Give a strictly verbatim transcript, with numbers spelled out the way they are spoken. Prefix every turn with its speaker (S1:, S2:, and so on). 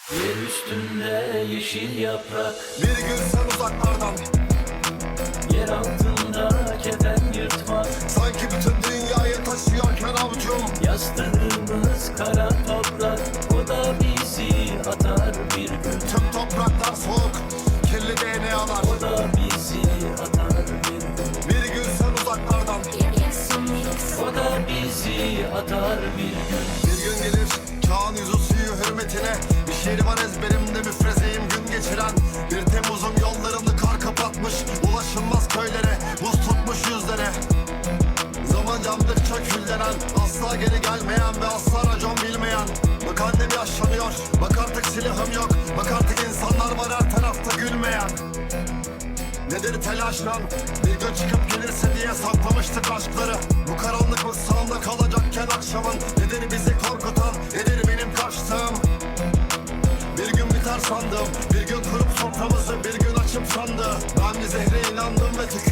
S1: Yer üstünde yeşil yaprak,
S2: Bir gün sen uzaklardan,
S1: yer altında kefen yırtmak.
S2: sanki bütün dünyayı taşıyorken avucum.
S1: Yastığımız kara toprak, o da bizi atar bir gün.
S2: Tüm topraklar soğuk, kirli D N A'lar.
S1: O da bizi atar bir gün.
S2: Bir gün sen uzaklardan,
S1: O da bizi atar bir gün.
S2: bir gün gelir çağın yüzü suyu hürmetine. Bir şiir var ezberimde müfrezeyim gün geçiren. Bir Temmuz'un yollarını kar kapatmış, ulaşılmaz köylere buz tutmuş yüzlere. Zaman camdıkça küllenen, asla geri gelmeyen ve asla racon bilmeyen. Bak annem yaşlanıyor, bak artık silahım yok, bak artık insanlar var her tarafta gülmeyen. Nedir telaş lan? Bir gün çıkıp gelirse diye saklamıştık aşkları. Bu karanlık mı sağımda kalacakken akşamın? Nedir bizi korkutan, nedir benim kaçtığım? Bir gün biter sandım, bir gün kurup soframızı bir gün açıp sandı. Ben bir zehre inandım ve tükendim.